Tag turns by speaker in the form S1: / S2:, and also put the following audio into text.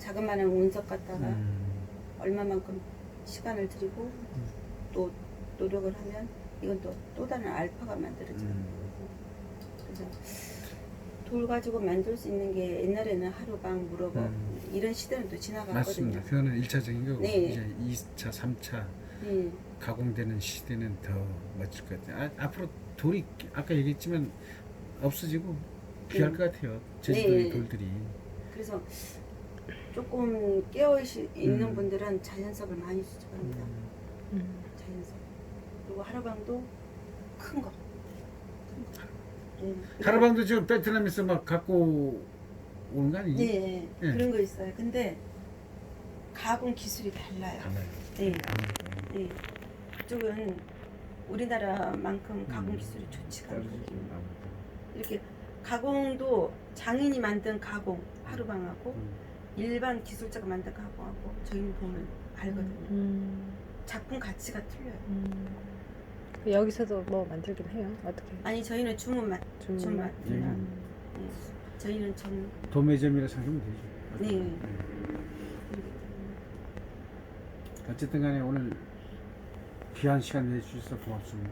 S1: 자그마한 운석 갖다가 얼마만큼 시간을 들이고 또 노력을 하면 이건 또 다른 알파가 만들어져요. 그래서 돌 가지고 만들 수 있는 게 옛날에는 하루방, 무럭업 이런 시대는 또 지나갔거든요.
S2: 맞습니다. 그거는 1차적인 거고
S1: 네.
S2: 이제 2차, 3차
S1: 네.
S2: 가공되는 시대는 더 멋질 것 같아요. 앞으로 돌이 아까 얘기했지만 없어지고 귀할 것 같아요. 제주도의
S1: 네.
S2: 돌들이.
S1: 그래서 조금 깨어 있는 분들은 자연석을 많이 수집합니다. 자연석. 그리고 하루방도 큰 거. 네.
S2: 하루방도 지금 베트남에서 막 갖고 오는 거 아니지?
S1: 네,
S2: 네.
S1: 그런 거 있어요. 근데 가공 기술이 달라요.
S2: 달라요.
S1: 네. 네. 그쪽은 우리나라만큼 가공 기술이 좋지가 않거든요. 이렇게 가공도 장인이 만든 가공 하루방하고 일반 기술자가 만든 가공하고 저희는 보면 알거든요. 작품 가치가 틀려요.
S3: 여기서도 뭐 만들긴 해요. 어떻게?
S1: 아니 저희는 주문만 주문만. 네. 저희는 전
S2: 도매점이라 생각하면 되죠.
S1: 네.
S2: 어쨌든 간에 오늘 귀한 시간 내주셔서 고맙습니다.